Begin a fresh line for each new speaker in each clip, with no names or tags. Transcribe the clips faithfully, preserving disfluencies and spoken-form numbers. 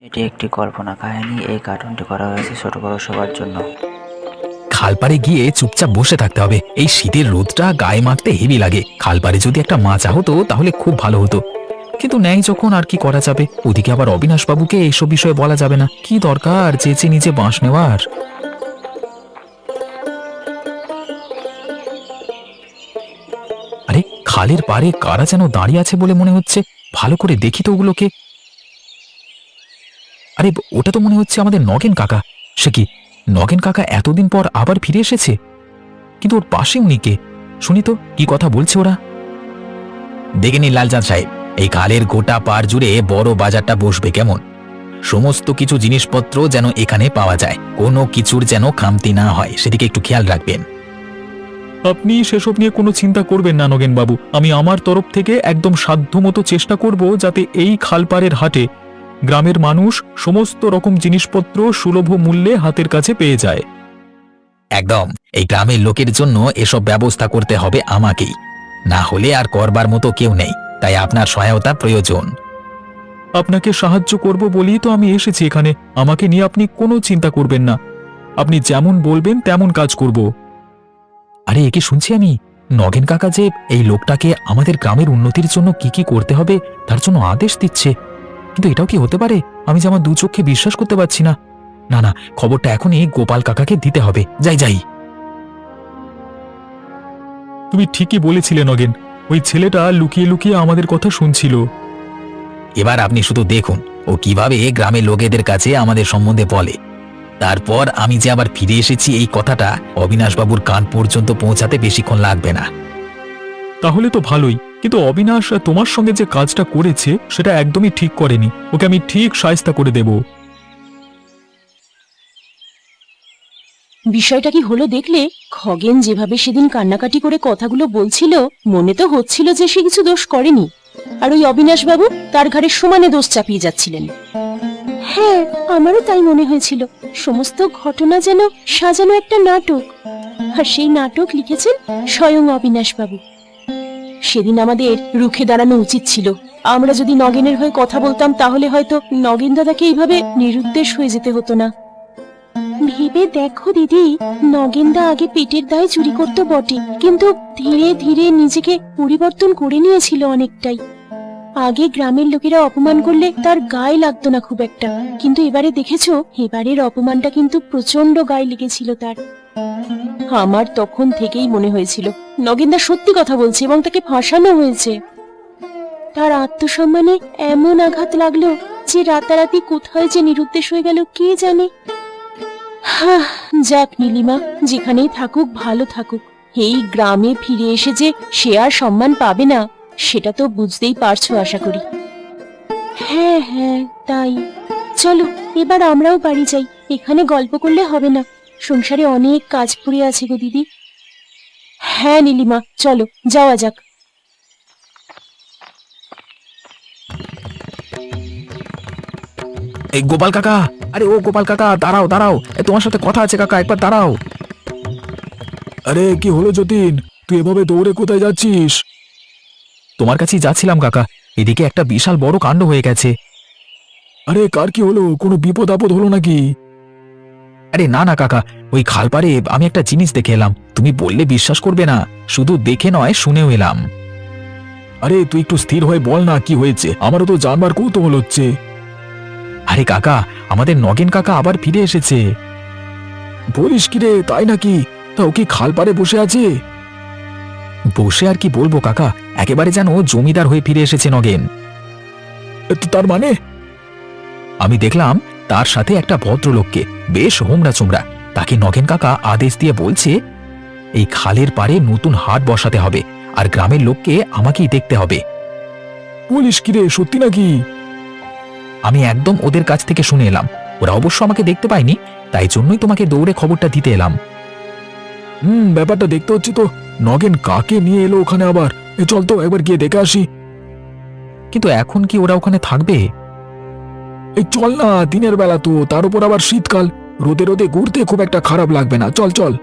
এটি একটি কল্পনা কাহিনী। এই কার্টুনটি করা হয়েছে ছোট বড় সবার জন্য।
খালপাড়ে গিয়ে চুপচাপ বসে থাকতে হবে। এই শীতের রোদটা গায়ে মাখতে হেভি লাগে। খালপাড়ে যদি একটা মাচা হতো তাহলে খুব ভালো হতো, কিন্তু নেই যখন আর কি করা যাবে। ওদিকে আবার অবিনাশ বাবুকে এইসব বিষয়ে বলা যাবে না। কি দরকার চেঁচে নিজে বাঁশ নেওয়ার। আরে, খালের পাড়ে কারা যেন দাঁড়িয়ে আছে বলে মনে হচ্ছে। ভালো করে দেখি তো ওগুলোকে। আরে, ওটা তো মনে হচ্ছে আমাদের নগেন কাকা। সে কি, নগেন কাকা এতদিন পর আবার ফিরে এসেছে? কিন্তু ওর পাশে উনি কে? শুনি তো কি কথা বলছে ওরা। দেখে নিন লালচাঁদ সাহেব, এই খালের গোটা পার জুড়ে বড় বাজারটা বসবে কেমন। সমস্ত কিছু জিনিসপত্র যেন এখানে পাওয়া যায়, কোনো কিছুর যেন খামতি না হয়, সেদিকে একটু খেয়াল রাখবেন। আপনি সেসব নিয়ে কোনো চিন্তা করবেন না নগেন বাবু। আমি আমার তরফ থেকে একদম সাধ্যমতো চেষ্টা করব যাতে এই খালপাড়ের হাটে গ্রামের মানুষ সমস্ত রকম জিনিসপত্র সুলভ মূল্যে হাতের কাছে পেয়ে যায়। একদম, এই গ্রামের লোকের জন্য এসব ব্যবস্থা করতে হবে আমাকেই, না হলে আর করবার মতো কেউ নেই। তাই আপনার সহায়তা প্রয়োজন। আপনাকে সাহায্য করব বলেই তো আমি এসেছি এখানে। আমাকে নিয়ে আপনি কোনো চিন্তা করবেন না। আপনি যেমন বলবেন তেমন কাজ করব। আরে, একে শুনছি আমি, নগেন কাকা যে এই লোকটাকে আমাদের গ্রামের উন্নতির জন্য কি কি করতে হবে তার জন্য আদেশ দিচ্ছে। কিন্তু এটাও কি হতে পারে? আমি যে আমার দু চোখে বিশ্বাস করতে পারছি না। না না, খবরটা এখনই গোপাল কাকাকে দিতে হবে। যাই যাই। তুমি ঠিকই বলেছিলে নগেন, ওই ছেলেটা লুকিয়ে লুকিয়ে আমাদের কথা শুনছিল। এবার আপনি শুধু দেখুন ও কিভাবে গ্রামের লোকেদের কাছে আমাদের সম্বন্ধে বলে। তারপর আমি যে আবার ফিরে এসেছি এই কথাটা অবিনাশবাবুর কান পর্যন্ত পৌঁছাতে বেশিক্ষণ লাগবে না। তাহলে তো ভালোই, কিন্তু অবিনাশ তোমার সঙ্গে যে কাজটা করেছে সেটা একদমই ঠিক করেনি। ওকে আমি ঠিক শায়েস্তা করে দেব।
বিষয়টা কি হলো দেখলে? খগেন যেভাবে সেদিন কান্নাকাটি করে কথাগুলো বলছিল, মনে তো হচ্ছিল যে সে কিছু দোষ করেনি, আর ওই অবিনাশ বাবু তার ঘাড়ে সমানে দোষ চাপিয়ে যাচ্ছিলেন। হ্যাঁ, আমারও তাই মনে হয়েছিল। সমস্ত ঘটনা যেন সাজানো একটা নাটক, আর সেই নাটক লিখেছেন স্বয়ং অবিনাশ বাবু। সেদিন আমাদের রুখে দাঁড়ানো উচিত ছিল। আমরা যদি নগেনের হয়ে কথা বলতাম তাহলে হয়তো নগেন দাদাকে এইভাবে নিরুদ্দেশ হয়ে যেতে হতো না। ভেবে দেখো দিদি, নগেনদা আগে পেটের দায়ে চুরি করতো বটে, কিন্তু ধীরে ধীরে নিজেকে পরিবর্তন করে নিয়েছিল অনেকটাই। আগে গ্রামের লোকেরা অপমান করলে তার গায়ে লাগতো না খুব একটা, কিন্তু এবারে দেখেছো, এবারের অপমানটা কিন্তু প্রচন্ড গায়ে লেগেছিল তার। আমার তখন থেকেই মনে হয়েছিল নগেনদা সত্যি কথা বলছে এবং তাকে ফাঁসানো হয়েছে। তার আত্মসম্মানে এমন আঘাত লাগলো যে রাতারাতি কোথায় যে নিরুদ্দেশ হয়ে গেল কে জানে। হাহ, যাক নীলিমা, যেখানেই থাকুক ভালো থাকুক। এই গ্রামে ফিরে এসে যে সে আর সম্মান পাবে না সেটা তো বুঝতেই পারছো আশা করি। হ্যাঁ হ্যাঁ, তাই। চলো এবার আমরাও বাড়ি যাই, এখানে গল্প করলে হবে না। সংসারে অনেক কাজ পড়ে আছে গো দিদি। হ্যাঁ নীলিমা, চলো যাওয়া যাক।
এই গোপাল কাকা, আরে ও গোপাল কাকা, দাঁড়াও দাঁড়াও, এ, তোমার সাথে কথা আছে কাকা, একবার দাঁড়াও।
আরে কি হলো যতীন, তুই এভাবে দৌড়ে কোথায় যাচ্ছিস?
তোমার কাছেই যাচ্ছিলাম কাকা। এদিকে একটা বিশাল বড় কাণ্ড হয়ে গেছে।
আরে কার কি হলো, কোনো বিপদ আপদ হলো নাকি?
আরে না না কাকা, ওই খালপাড়ে আমি একটা জিনিস দেখে এলাম। তুমি বললে বিশ্বাস করবে না, শুধু দেখে নয় শুনেও এলাম।
আরে তুই একটু স্থির হয়ে বল না কি হয়েছে, আমারও তো জানবার কৌতূহল হচ্ছে।
আরে কাকা, আমাদের নগেন কাকা আবার ফিরে এসেছে।
বলিস কি রে, তাই নাকি? তা ও কি খাল পাড়ে বসে আছে?
বসে আর কি বলবো কাকা, একেবারে যেন জমিদার হয়ে ফিরে এসেছে নগেন।
এ তো তার মানে?
আমি দেখলাম তার সাথে একটা ভদ্রলোককে, বেশ হোমরা চোমরা। তাকে নগেন কাকা আদেশ দিয়ে বলছে এই খালের পাড়ে নতুন হাট বসাতে হবে, আর গ্রামের লোককে আমাকেই দেখতে হবে।
বলিস কি রে, সত্যি নাকি?
আমি একদম ওদের কাছ থেকে শুনে এলাম। ওরা অবশ্য আমাকে দেখতে পায়নি, তাই জন্যই তোমাকে দৌড়ে খবরটা দিতে এলাম।
হুম, ব্যাপারটা দেখতে হচ্ছে তো। নগেন কাকে নিয়ে এলো ওখানে আবার? এ চল তো একবার গিয়ে দেখে আসি।
কিন্তু এখন কি ওরা ওখানে থাকবে?
এই চল না, দিনের বেলা তো, তার উপর আবার শীতকাল, রোদে রোদে ঘুরতে খুব একটা খারাপ লাগবে না। চল চল।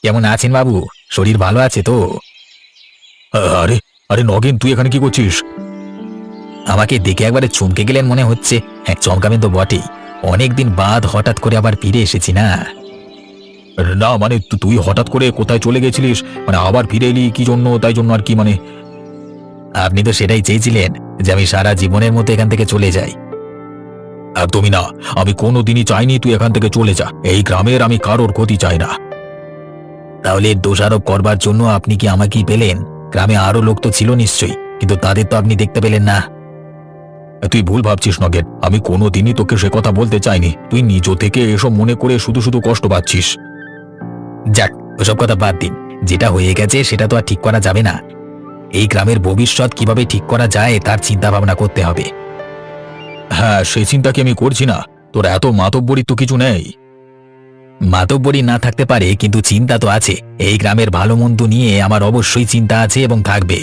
কেমন আছেন বাবু? শরীর ভালো আছে তো?
আরে আরে নগেন, তুই এখানে কি করছিস?
আমাকে দেখে একবারে চমকে গেলেন মনে হচ্ছে। হ্যাঁ, চমকাবেন তো বটেই। অনেকদিন বাদ হঠাৎ করে আবার ফিরে এসেছি না।
না মানে তু- তুই হঠাৎ করে কোথায় চলে গেছিলিস, মানে আবার ফিরে এলি কি জন্য, তাই জন্য আর কি মানে?
আপনি তো সেটাই চেয়েছিলেন যে আমি সারা জীবনের মতো এখান থেকে চলে যাই।
একদমই না, আমি কোনোদিনই চাইনি তুই এখান থেকে চলে যা। এই গ্রামের আমি কারোর ক্ষতি চাই না।
তাহলে দোষারোপ করবার জন্য আপনি কি আমাকেই পেলেন? গ্রামে আরো লোক তো ছিল নিশ্চয়ই, কিন্তু তাদের তো আপনি দেখতে পেলেন না।
তুই ভুল ভাবছিস নগেন, আমি কোনোদিনই তোকে সে কথা বলতে চাইনি। তুই নিজ থেকে এসব মনে করে শুধু শুধু কষ্ট পাচ্ছিস।
যাক, ওসব কথা বাদ দিন। যেটা হয়ে গেছে সেটা তো আর ঠিক করা যাবে না। এই গ্রামের ভবিষ্যৎ কিভাবে ঠিক করা যায় তার চিন্তা ভাবনা করতে হবে।
হ্যাঁ, সেই চিন্তা কি আমি করছি না? তোর এত মাতব্বরি তো কিছু নেই।
মাতব্বরি না থাকতে পারে, কিন্তু চিন্তা তো আছে। এই গ্রামের ভালো মন্দ নিয়ে আমার অবশ্যই চিন্তা আছে এবং থাকবে।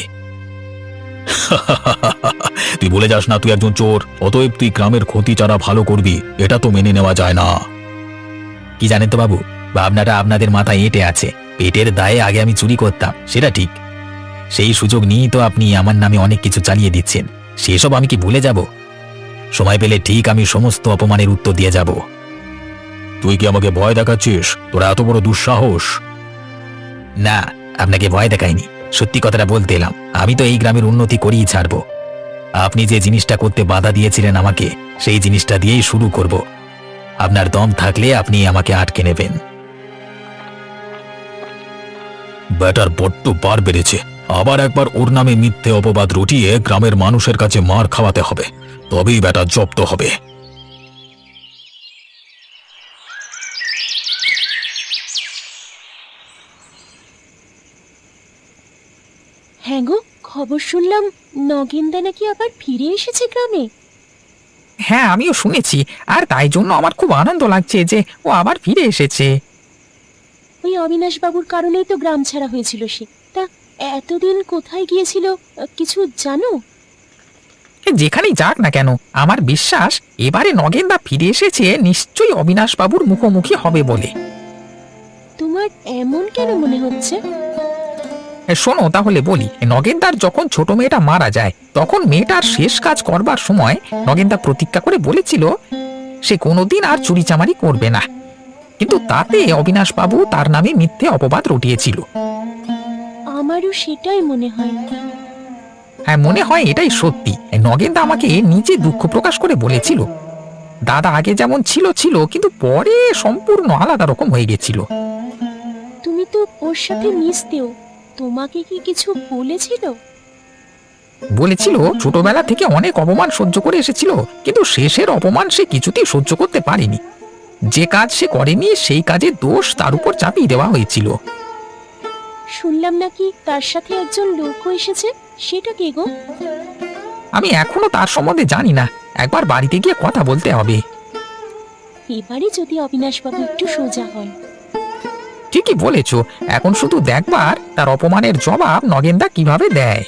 তুই বলে যাস না তুই একজন চোর, অতএব তুই গ্রামের ক্ষতি যারা ভালো করবি, এটা তো মেনে নেওয়া যায় না।
কি জানেন তো বাবু, ভাবনাটা আপনাদের মাথায় এঁটে আছে। পেটের দায়ে আগে আমি চুরি করতাম, সেটা ঠিক। সেই সুযোগ নিয়েই তো আপনি আমার নামে অনেক কিছু চালিয়ে দিচ্ছেন। সেসব আমি কি ভুলে যাব? সময় পেলে ঠিক আমি সমস্ত অপমানের উত্তর দিয়ে যাব।
তুই কি আমাকে ভয় দেখাচ্ছিস? তোর এত বড় দুঃসাহস!
না, আপনাকে ভয় দেখাইনি, সত্যি কথাটা বলতে এলাম। আমি তো এই গ্রামের উন্নতি করেই ছাড়ব। আপনি যে জিনিসটা করতে বাধা দিয়েছিলেন আমাকে, সেই জিনিসটা দিয়েই শুরু করব। আপনার দম থাকলে আপনি আমাকে আটকে নেবেন।
ব্যাটার বড্ড বার বেড়েছে। আবার একবার ওর নামে মিথ্যে অপবাদ রটিয়ে গ্রামের মানুষের কাছে মার খাওয়াতে হবে, তবেই ব্যাটা জব্দ হবে।
হ্যাঁ গো, খবর শুনলাম নগেনদা নাকি আবার ফিরে এসেছে গ্রামে।
হ্যাঁ, আমিও শুনেছি। আর তাই জন্য আমার খুব আনন্দ লাগছে যে ও আবার ফিরে এসেছে।
ওই অবিনাশ বাবুর কারণেই তো গ্রাম ছাড়া হয়েছিল সে। তা এতদিন কোথায় গিয়েছিল আহ, কিছু জানো?
এ যেখানেই যাক না কেন, আমার বিশ্বাস এবারে নগেনদা ফিরে এসেছে নিশ্চয়ই অবিনাশ বাবুর মুখোমুখি হবে বলে।
তোমার এমন কেন মনে হচ্ছে?
এ, শোনো তাহলে বলি। নগেনদার যখন ছোট মেয়েটা মারা যায়, তখন মেয়েটার শেষ কাজ করবার সময় নগেনদা প্রতিজ্ঞা করে বলেছিল সে কোনোদিন আর চুরিচামারি করবে না। কিন্তু তাতে অবিনাশ বাবু তার নামে মিথ্যে অপবাদ রটিয়েছিল।
আমারও সেটাই মনে হয়।
হ্যাঁ, মনে হয় এটাই সত্যি। নগেনদা আমাকে নিজে দুঃখ প্রকাশ করে বলেছিল দাদা আগে যেমন ছিল ছিল, কিন্তু পরে সম্পূর্ণ আলাদা রকম হয়ে গেছিল।
তুমি তো ওর সাথে মিশতেও, তোমাকে কি কিছু বলেছিল?
বলেছিল ছোটবেলা থেকে অনেক অপমান সহ্য করে এসেছিল, কিন্তু শেষের অপমান সে কিছুতেই সহ্য করতে পারেনি। যে কাজ সে করেনি সেই কাজের দোষ তার উপর চাপিয়ে দেওয়া হয়েছিল।
শুনলাম নাকি তার সাথে একজন লোকও এসেছে, সেটা কে গো?
আমি এখনো তার সম্বন্ধে জানি না, একবার বাড়িতে গিয়ে কথা বলতে হবে।
এবারে যদি অবিনাশ বাবু একটু সোজা হয়।
ঠিকই বলেছ, এখন শুধু দেখবার তার অপমানের জবাব নগেনদা কিভাবে দেয়।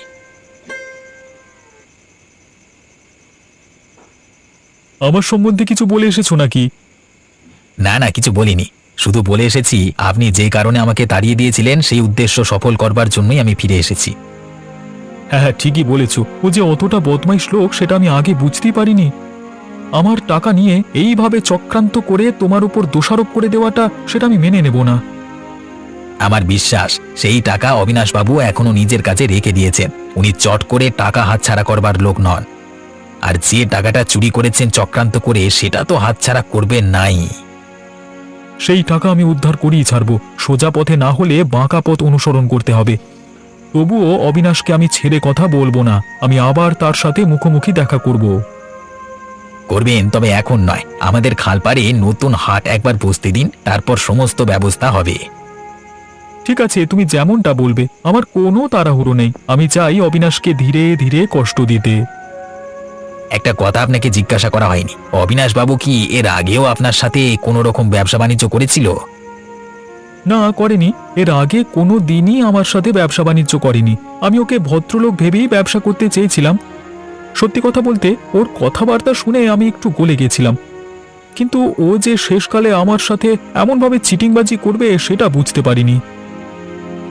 আমার সম্বন্ধে কিছু বলে এসেছো নাকি?
না না, কিছু বলিনি। শুধু বলে এসেছি আপনি যে কারণে আমাকে তাড়িয়ে দিয়েছিলেন সেই উদ্দেশ্য সফল করবার জন্যই আমি ফিরে এসেছি।
হ্যাঁ হ্যাঁ, ঠিকই বলেছো। ও যে অতটা বদমাইশ লোক সেটা আমি আগে বুঝতেই পারিনি। আমার টাকা নিয়ে এইভাবে চক্রান্ত করে তোমার উপর দোষারোপ করে দেওয়াটা, সেটা আমি মেনে নেব না।
আমার বিশ্বাস সেই টাকা অবিনাশবাবু এখনো নিজের কাছে রেখে দিয়েছেন। উনি চট করে টাকা হাতছাড়া করবার লোক নন। আর যে টাকাটা চুরি করেছেন চক্রান্ত করে, সেটা তো হাতছাড়া করবেন নাই।
সেই টাকা আমি উদ্ধার করেই ছাড়বো। সোজা পথে না হলে বাঁকা পথ অনুসরণ করতে হবে। তবুও অবিনাশকে আমি ছেড়ে কথা বলবো না। আমি আবার তার সাথে মুখোমুখি দেখা করব।
করবেন, তবে এখন নয়। আমাদের খালপাড়ে নতুন হাট একবার বসতে দিন, তারপর সমস্ত ব্যবস্থা হবে।
ঠিক আছে, তুমি যেমনটা বলবে। আমার কোনো তাড়াহুড়ো নেই। আমি চাই অবিনাশকে ধীরে ধীরে কষ্ট দিতে।
একটা কথা আপনাকে জিজ্ঞাসা করা হয়নি, অবিনাশবাবু কি এর আগেও আপনার সাথে কোনো রকম ব্যবসা বাণিজ্য করেছিল?
না, করেনি। এর আগে কোনো দিনই আমার সাথে ব্যবসা বাণিজ্য করেনি। আমি ওকে ভদ্রলোক ভেবেই ব্যবসা করতে চেয়েছিলাম। সত্যি কথা বলতে, ওর কথাবার্তা শুনে আমি একটু গলে গেছিলাম। কিন্তু ও যে শেষকালে আমার সাথে এমনভাবে চিটিংবাজি করবে সেটা বুঝতে পারিনি।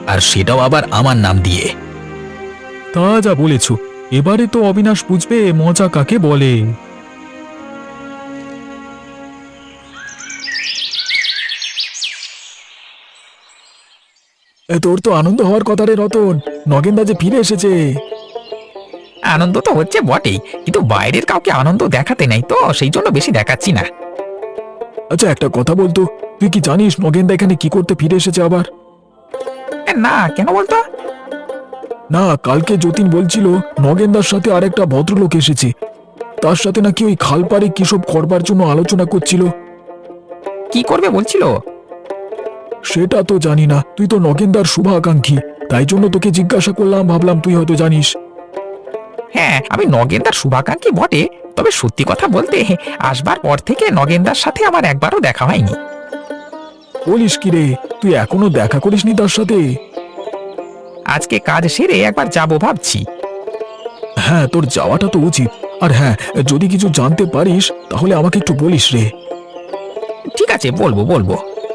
আর সেটাও আবার আমার নাম দিয়ে।
তা যা বলেছ, এবারে তো অবিনাশ বুঝবে মজা কাকে বলে।
তোর তো আনন্দ হওয়ার কথা রে রতন, নগেনদা যে ফিরে এসেছে।
আনন্দ তো হচ্ছে বটেই, কিন্তু বাইরের কাউকে আনন্দ দেখাতে নাই তো, সেই জন্য বেশি দেখাচ্ছি না।
আচ্ছা একটা কথা বলতো, তুই কি জানিস নগেনদা এখানে কি করতে ফিরে এসেছে আবার?
এ, না কেন বলতো?
না, কালকে যতীন বলছিল নগেনদার সাথে আরেকটা ভদ্রলোক এসেছে, তার সাথে নাকি ওই খালপাড়ে কি সব করবার জন্য আলোচনা করছিল।
কি করবে বলছিল?
সেটা তো জানি না, তুই তো নগেনদার শুভাকাঙ্ক্ষী, তাই জন্য তোকে জিজ্ঞাসা করলাম, ভাবলাম তুই হয়তো জানিস।
হ্যাঁ, আমি নগেনদার শুভাকাঙ্ক্ষী বটে, তবে সত্যি কথা বলতে আসবার পর থেকে নগেনদার সাথে আমার একবারও দেখা হয়নি।
বলিস কি রে, তুই এখনো দেখা করিসনি তার সাথে?
আজকে কাজ সেরে একবার যাব ভাবছি।
হ্যাঁ, তোর যাওয়াটা তো উচিত। আর হ্যাঁ, যদি কিছু জানতে পারিস তাহলে আমাকে একটু বলিস রে।
ঠিক আছে, বলবো বলবো।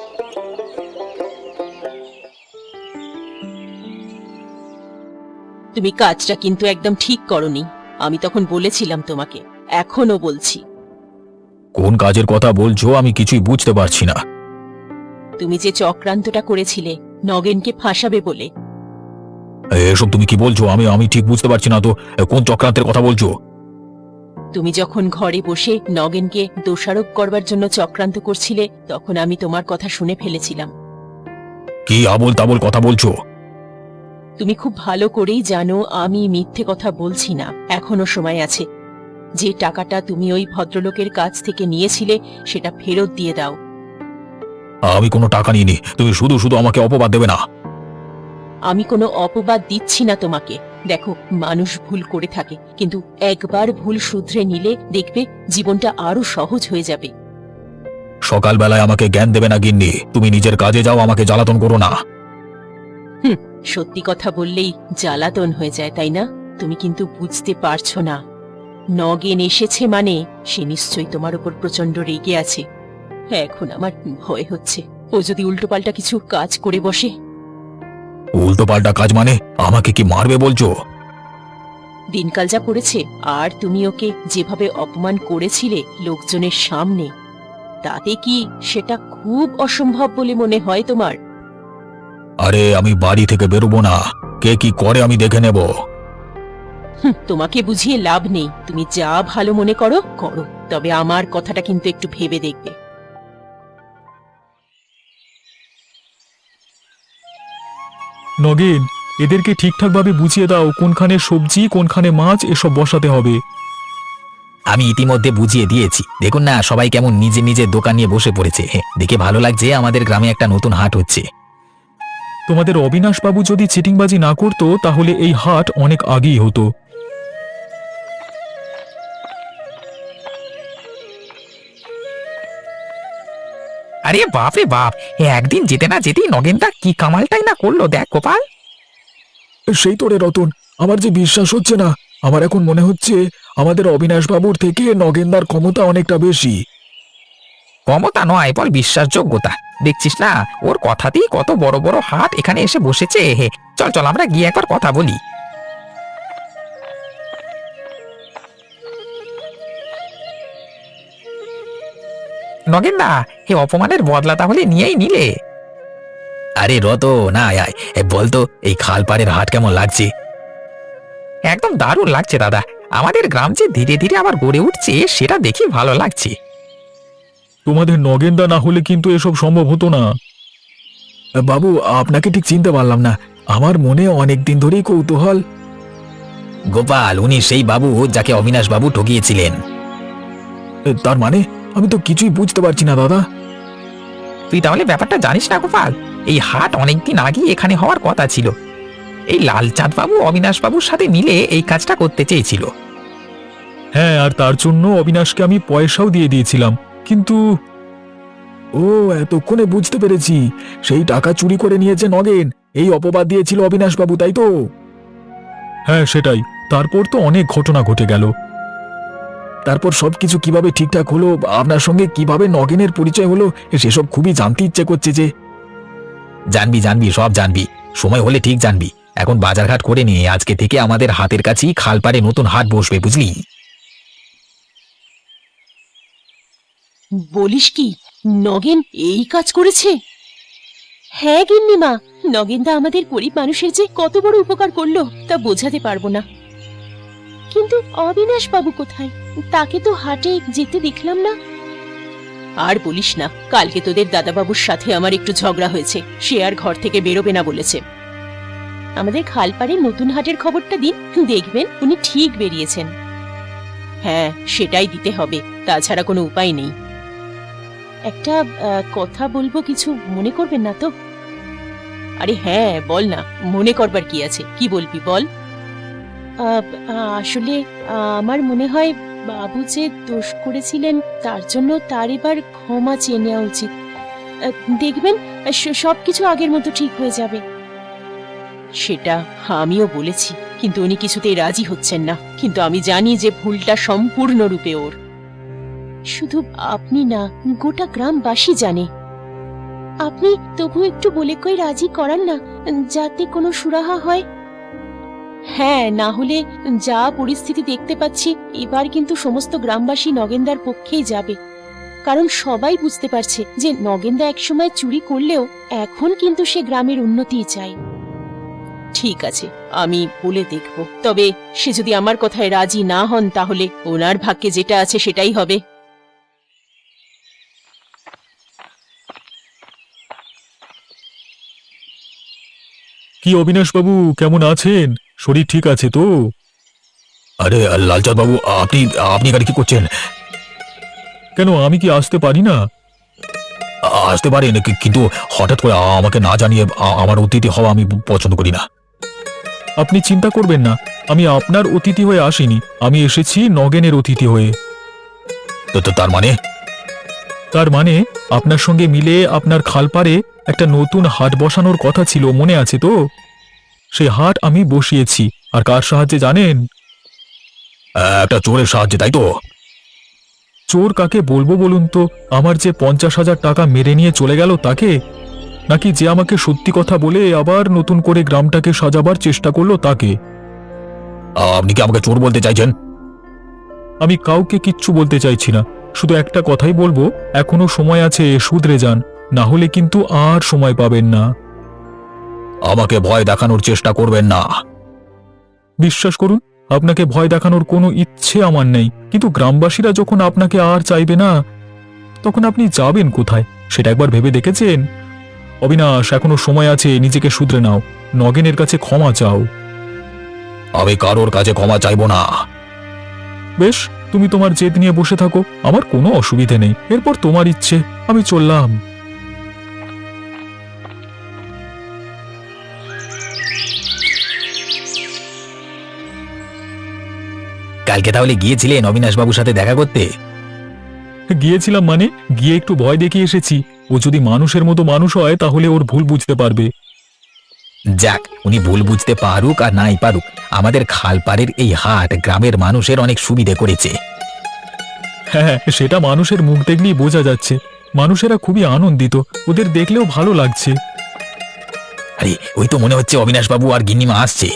তুমি কাজটা কিন্তু একদম ঠিক করনি। আমি তখন বলেছিলাম তোমাকে, এখনো বলছি।
কোন কাজের কথা বলছো আমি কিছুই বুঝতে পারছি না।
তুমি যে চক্রান্তটা করেছিলে নগেনকে ফাঁসাবে বলে।
এসব তুমি কি বলছো? আমি আমি ঠিক বুঝতে পারছি না তো, কোন চক্রান্তের কথা বলছো?
তুমি যখন ঘরে বসে নগেনকে দোষারোপ করবার জন্য চক্রান্ত করছিলে, তখন আমি তোমার কথা শুনে ফেলেছিলাম।
কি আবোল তাবোল কথা বলছো?
তুমি খুব ভালো করেই জানো আমি মিথ্যে কথা বলছি না, এখনো সময় আছে। যে টাকাটা তুমি ওই ভদ্রলোকের কাছ থেকে নিয়েছিলে সেটা ফেরত দিয়ে দাও।
আমি কোনো টাকা নিইনি, তুমি শুধু শুধু আমাকে অপবাদ দেবে না।
আমি কোনো অপবাদ দিচ্ছি না তোমাকে। দেখো, মানুষ ভুল করে থাকে, কিন্তু একবার ভুল শুধরে নিলে দেখবে জীবনটা আরো সহজ হয়ে যাবে।
সকালবেলায় আমাকে জ্ঞান দেবে না গিন্নি, তুমি নিজের কাজে যাও, আমাকে জ্বালাতন করো না।
হুম, সত্যি কথা বললেই জ্বালাতন হয়ে যায়, তাই না? তুমি কিন্তু বুঝতে পারছো না। নগেন এসেছে মানে সে নিশ্চয়ই তোমার উপর প্রচন্ড রেগে আছে। এখন আমার ভয় হচ্ছে ও যদি উল্টোপাল্টা কিছু কাজ করে বসে।
উল্টো পাল্টা কাজ মানে? আমাকে কি মারবে বলছো?
দিনকাল যা পড়েছে, আর তুমি ওকে যেভাবে অপমান করেছিলে লোকজনের সামনে, তাতে কি সেটা খুব অসম্ভব বলে মনে হয় তোমার?
আরে আমি বাড়ি থেকে বেরোবো না, কে কি করে আমি দেখে নেব।
হুঁ, তোমাকে বুঝিয়ে লাভ নেই। তুমি যা ভালো মনে করো করো, তবে আমার কথাটা কিন্তু একটু ভেবে দেখবে।
নগেন, এদেরকে ঠিকঠাকভাবে বুঝিয়ে দাও কোনখানে সবজি কোনখানে মাছ এসব বসাতে হবে।
আমি ইতিমধ্যে বুঝিয়ে দিয়েছি, দেখুন না সবাই কেমন নিজে নিজে দোকান নিয়ে বসে পড়েছে। দেখে ভালো লাগছে, আমাদের গ্রামে একটা নতুন হাট হচ্ছে।
তোমাদের অবিনাশ বাবু যদি চিটিংবাজি না করতো তাহলে এই হাট অনেক আগেই হতো।
আরে বাপ রে বাপ, এ একদিন যেতে না যেতেই নগেনদা কি কামালটাই না করলো, দেখ গোপাল।
সেই তো রে রতন, আমার যে বিশ্বাস হচ্ছে না। আমার এখন মনে হচ্ছে আমাদের অবিনাশ বাবুর থেকে নগেনদার ক্ষমতা অনেকটা বেশি।
ক্ষমতা নয়, বল বিশ্বাসযোগ্যতা। দেখছিস না, ওর কথাতেই কত বড় বড় হাট এখানে এসে বসেছে। হে, চল চল আমরা গিয়ে একবার কথা বলি। নগেনদা, হে অপমানের বদলা তাহলে নিয়েই নিলে।
আরে রত না আয় আয়, এ বলতো এই খালপাড়ের হাট কেমন লাগছে?
একদম দারুণ লাগছে দাদা। আমাদের গ্রাম যে ধীরে ধীরে আবার গড়ে উঠছে সেটা দেখি ভালো লাগছে।
তোমাদের নগেনদা না হলে কিন্তু এসব সম্ভব হতো না। বাবু, আপনাকে ঠিক চিনতে পারলাম না। আমার মনে অনেক দিন ধরেই কৌতূহল।
গোপাল, উনি সেই বাবু যাকে অবিনাশ বাবু ঠকিয়েছিলেন।
তার মানে? আমি তো কিছুই বুঝতে পারছি না দাদা।
তুই তাহলে ব্যাপারটা জানিস না গোপাল? এই হাট অনেকদিন আগে এখানে হওয়ার কথা ছিল। এই লালচাঁদ বাবু অবিনাশ বাবুর সাথে মিলে এই কাজটা করতে চেয়েছিল।
হ্যাঁ, আর তার জন্য অবিনাশকে আমি পয়সাও দিয়ে দিয়েছিলাম, কিন্তু ও এতক্ষণে বুঝতে পেরেছি, সেই টাকা চুরি করে নিয়েছে নগেন, এই অপবাদ দিয়েছিল অবিনাশ বাবু, তাই তো? হ্যাঁ সেটাই। তারপর তো অনেক ঘটনা ঘটে গেল। তারপর সবকিছু কিভাবে ঠিকঠাক হলো, আপনার সঙ্গে কিভাবে নগেনের পরিচয় হলো, সেসব খুবই জানতে ইচ্ছে করছে যে।
জানবি জানবি সব জানবি।
সময় হলে ঠিক জানবি। এখন বাজারঘাট করে নিয়ে আজকে থেকে আমাদের হাতের কাছেই খালপাড়ে নতুন হাট বসবে, বুঝলি?
বলিস কি, নগেন এই কাজ করেছে? হ্যাঁ গিন্নিমা, নগেনদা আমাদের গরিব মানুষের যে কত বড় উপকার করলো তা বোঝাতে পারবো না। কিন্তু অবিনাশ বাবু কোথায়? তাকে তো হাটে যেতে দেখলাম না। আর বলিস না, কালকে তোদের দাদাবাবুর সাথে আমার একটু ঝগড়া হয়েছে, সে আর ঘর থেকে বেরোবে না বলেছে। আমাদের খালপাড়ে নতুন হাটের খবরটা দিন, দেখবেন উনি ঠিক বেরিয়েছেন। হ্যাঁ, সেটাই দিতে হবে, তাছাড়া কোনো উপায় নেই। একটা আহ, কথা বলবো, কিছু মনে করবেন না তো? আরে হ্যাঁ, বল না, মনে করবার কি আছে, কি বলবি বল। আহ, আসলে আহ, আমার মনে হয় বাবু যে দোষ করেছিলেন তার জন্য তার এবার ক্ষমা চেয়ে নেওয়া উচিত। আহ, দেখবেন স- সবকিছু আগের মতো ঠিক হয়ে যাবে। সেটা আমিও বলেছি, কিন্তু উনি কিছুতেই রাজি হচ্ছেন না। কিন্তু আমি জানি যে ভুলটা সম্পূর্ণরূপে ওর। শুধু আপনি না, গোটা গ্রামবাসী জানে। আপনি তবু একটু বলে কই রাজি করান না, যাতে কোনো সুরাহা হয়। হ্যাঁ, না হলে যা পরিস্থিতি দেখতে পাচ্ছি, এবার কিন্তু সমস্ত গ্রামবাসী নগেনদার পক্ষেই যাবে। কারণ সবাই বুঝতে পারছে যে নগেনদা একসময় চুরি করলেও এখন কিন্তু সে গ্রামের উন্নতিই চায়। ঠিক আছে, আমি বলে দেখব। তবে সে যদি আমার কথায় রাজি না হন, তাহলে ওনার ভাগ্যে যেটা আছে সেটাই হবে।
কি অবিনাশ বাবু, কেমন আছেন? শরীর ঠিক আছে তো?
আরে লালচাঁদ বাবু, আপনি আপনি এখানে কি করছেন?
কেন, আমি কি আসতে পারি না?
আ- আসতে পারেন, কি- কিন্তু হঠাৎ করে আমাকে না জানিয়ে আ- আমার অতিথি হওয়া আমি পছন্দ করি না।
আপনি চিন্তা করবেন না, আমি আপনার অতিথি হয়ে আসিনি, আমি এসেছি নগেনের অতিথি হয়ে।
তো তো তার মানে?
তার মানে আপনার সঙ্গে মিলে আপনার খালপাড়ে একটা নতুন হাট বসানোর কথা ছিল, মনে আছে তো? সেই হাট আমি বসিয়েছি। আর কার সাহায্যে জানেন?
একটা চোরের সাহায্যে, তাই তো?
চোর কাকে বলবো বলুন তো? আমার যে পঞ্চাশ হাজার টাকা মেরে নিয়ে চলে গেল তাকে, নাকি যে আমাকে সত্যি কথা বলে আবার নতুন করে গ্রামটাকে সাজাবার চেষ্টা করলো তাকে?
আপনি কি আমাকে চোর বলতে চাইছেন?
আমি কাউকে কিচ্ছু বলতে চাইছি না, শুধু একটা কথাই বলবো, এখনো সময় আছে, শুধরে যান, না হলে কিন্তু আর সময় পাবেন না।
আমাকে ভয় দেখানোর চেষ্টা করবেন না।
বিশ্বাস করুন, আপনাকে ভয় দেখানোর কোনো ইচ্ছে আমার নেই, কিন্তু গ্রামবাসীরা যখন আপনাকে আর চাইবে না, তখন আপনি যাবেন কোথায় সেটা একবার ভেবে দেখেছেন? অবিনাশ, এখনো সময় আছে, নিজেকে শুধরে নাও, নগেনের কাছে ক্ষমা চাও।
আমি কারোর কাছে ক্ষমা চাইবো না।
বেশ, তুমি তোমার জেদ নিয়ে বসে থাকো, আমার কোনো অসুবিধে নেই, এরপর তোমার ইচ্ছে, আমি চললাম।
কালকে তাহলে গিয়েছিলেন অবিনাশ বাবুর সাথে দেখা করতে?
গিয়েছিলাম মানে, গিয়ে একটু ভয় দেখিয়ে এসেছি। ও যদি মানুষের মতো মানুষ হয় তাহলে ওর ভুল বুঝতে পারবে।
যাক, উনি ভুল বুঝতে পারুক আর নাই পারুক, আমাদের খালপাড়ের এই হাট গ্রামের মানুষের অনেক সুবিধে করেছে।
হ্যাঁ, সেটা মানুষের মুখ দেখলেই বোঝা যাচ্ছে। মানুষেরা খুবই আনন্দিত, ওদের দেখলেও ভালো লাগছে।
আরে ওই তো মনে হচ্ছে অবিনাশ বাবু আর গিন্নিমা আসছে।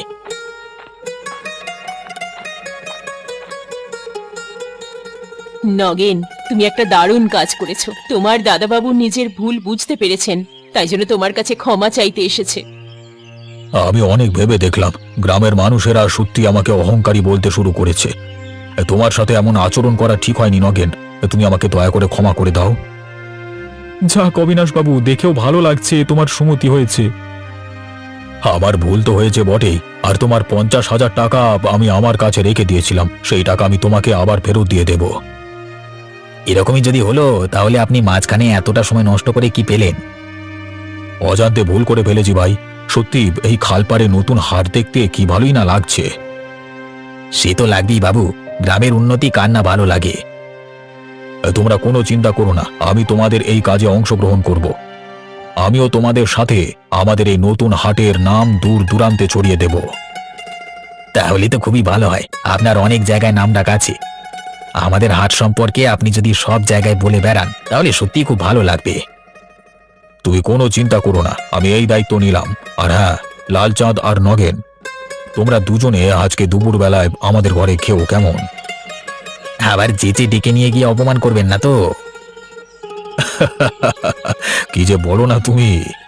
নগেন, তুমি একটা দারুণ কাজ করেছো। তোমার দাদাবাবু নিজের ভুল বুঝতে পেরেছেন, তাই জন্য তোমার কাছে ক্ষমা চাইতে এসেছে।
আমি অনেক ভেবে দেখলাম, গ্রামের মানুষেরা সত্যি আমাকে অহংকারী বলতে শুরু করেছে। তোমার সাথে এমন আচরণ করা ঠিক হয়নি নগেন, তুমি আমাকে দয়া করে ক্ষমা করে দাও।
যাক অবিনাশ বাবু, দেখেও ভালো লাগছে তোমার সুমতি হয়েছে।
আমার ভুল তো হয়েছে বটেই, আর তোমার পঞ্চাশ হাজার টাকা আমি আমার কাছে রেখে দিয়েছিলাম, সেই টাকা আমি তোমাকে আবার ফেরত দিয়ে দেব।
এরকমই যদি হলো, তাহলে আপনি মাঝখানে এতটা সময় নষ্ট করে কি পেলেন?
অজান্তে ভুল করে ফেলেছি ভাই। সত্যি এই খালপাড়ে নতুন হাট দেখতে কি ভালোই না লাগছে।
সে তো লাগবেই বাবু, গ্রামের উন্নতি কার না ভালো লাগে।
তোমরা কোনো চিন্তা করো না, আমি তোমাদের এই কাজে অংশগ্রহণ করব। আমিও তোমাদের সাথে আমাদের এই নতুন হাটের নাম দূর দূরান্তে ছড়িয়ে দেব।
তাহলে তো খুবই ভালো হয়, আপনার অনেক জায়গায় নাম ডাক আছে। আমাদের হাট সম্পর্কে আপনি যদি সব জায়গায় বলে বেড়ান, তাহলে সত্যিই খুব ভালো লাগবে।
তুমি কোনো চিন্তা করো না, আমি এই দায়িত্ব নিলাম। আর হ্যাঁ, লালচাঁদ আর নগেন, তোমরা দুজনে আজকে দুপুরবেলায় আমাদের ঘরে খেও, কেমন? আবার যেচে ডেকে নিয়ে গিয়ে অপমান করবেন না তো? কি যে বলো না তুমি।